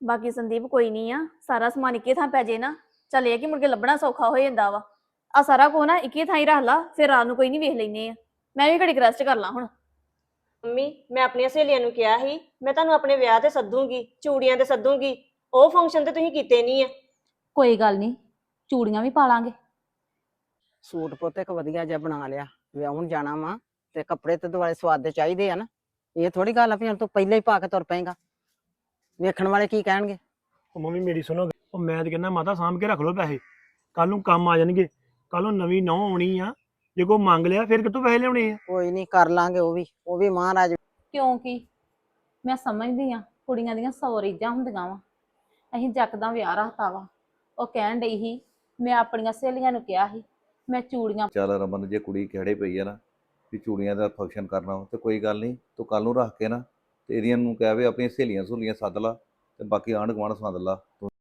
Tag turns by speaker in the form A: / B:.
A: ਬਾਕੀ ਸੰਦੀਪ ਕੋਈ ਨਹੀਂ ਆ, ਸਾਰਾ ਸਮਾਨ ਇੱਕੇ ਥਾਂ ਪੈ ਜੇ ਨਾ, ਚੱਲ ਇਹ ਕਿ ਮੁੜ ਕੇ ਲੱਭਣਾ ਸੌਖਾ ਹੋ ਜਾਂਦਾ ਵਾ। ਆ ਸਾਰਾ ਕੋ ਨਾ ਇੱਕੇ ਥਾਂ ਹੀ ਰੱਖ ਲਾ, ਫਿਰ ਰਾਤ ਨੂੰ ਕੋਈ ਨਹੀਂ ਵੇਖ ਲੈਨੇ ਆ। ਮੈਂ ਵੀ ਘੜੀ ਰੈਸਟ ਕਰ ਲਾਂ ਹੁਣ।
B: ਮੰਮੀ ਮੈਂ ਆਪਣੀਆਂ ਸਹੇਲੀਆਂ ਨੂੰ ਕਿਹਾ ਸੀ ਮੈਂ ਤੁਹਾਨੂੰ ਆਪਣੇ ਵਿਆਹ ਤੇ ਸੱਦੂਗੀ, ਚੂੜੀਆਂ ਤੇ ਸੱਦੂਗੀ। ਉਹ ਫੰਕਸ਼ਨ ਤੇ ਤੁਸੀਂ ਕੀਤੇ ਨਹੀਂ ਆ।
C: ਕੋਈ ਗੱਲ ਨਹੀਂ, ਚੂੜੀਆਂ ਵੀ ਪਾ ਲਾਂਗੇ।
D: ਸੂਟ ਪੁੱਤ ਇੱਕ ਵਧੀਆ ਜਿਹਾ ਬਣਾ ਲਿਆ, ਵਿਆਹੁਣ ਜਾਣਾ ਵਾ ਤੇ ਕੱਪੜੇ ਤੇ ਦੁਆਲੇ ਸਵਾਦ ਦੇ ਚਾਹੀਦੇ ਆ ਨਾ। ਇਹ ਥੋੜੀ ਗੱਲ ਆ ਵੀ ਹੁਣ ਤੂੰ ਪਹਿਲਾਂ ਹੀ ਪਾ ਕੇ ਤੁਰ ਪਏਗਾ, ਵੇਖਣ ਵਾਲੇ ਕੀ ਕਹਿਣਗੇ।
E: ਉਹ ਮੰਮੀ ਮੇਰੀ ਸੁਣੋ, ਉਹ ਮੈਂ ਤੇ ਕਹਿੰਦਾ ਮਾਤਾ ਸਾਂਭ ਕੇ ਰੱਖ ਲਓ ਪੈਸੇ, ਕੱਲ ਨੂੰ ਕੰਮ ਆ ਜਾਣਗੇ। ਕੱਲ ਨੂੰ ਨਵੀਂ ਨਹੁੰ ਆਉਣੀ ਆ, ਜੇ ਕੋਈ ਮੰਗ ਲਿਆ ਫਿਰ ਕਿੱਥੋਂ ਪੈਸੇ ਲਿਆਉਣੇ ਆ?
D: ਕੋਈ ਨਹੀਂ ਕਰ ਲਾਂਗੇ, ਉਹ ਵੀ ਮਹਾਰਾਜ।
C: ਕਿਉਂਕਿ ਮੈਂ ਸਮਝਦੀ ਆ ਕੁੜੀਆਂ ਦੀਆਂ 100 ਰੀਝਾਂ ਹੁੰਦੀਆਂ ਵਾ। ਅਸੀਂ ਜੱਕਦਾਂ ਵਿਆਹ ਰੱਖਤਾ ਵਾ। ਉਹ ਕਹਿਣ ਡਈ ਸੀ, ਮੈਂ ਆਪਣੀਆਂ ਸਹੇਲੀਆਂ ਨੂੰ ਕਿਹਾ ਸੀ ਮੈਂ ਚੂੜੀਆਂ।
F: ਚੱਲ ਰਮਨ, ਜੇ ਕੁੜੀ ਖੜੇ ਪਈ ਆ ਨਾ ਵੀ ਚੂੜੀਆਂ ਦਾ ਫੰਕਸ਼ਨ ਕਰਨਾ ਤੇ ਕੋਈ ਗੱਲ ਨਹੀਂ, ਤੂੰ ਕੱਲ ਨੂੰ ਰੱਖ ਕੇ ਨਾ ਤੇ ਇਹਦੀਆਂ ਨੂੰ ਕਹਿ ਵੀ ਆਪਣੀਆਂ ਸਹੇਲੀਆਂ ਸਹੂਲੀਆਂ ਸੱਦ ਲਾ ਤੇ ਬਾਕੀ ਆਂਢ ਗੁਆਂਢ ਸੱਦ ਲਾ।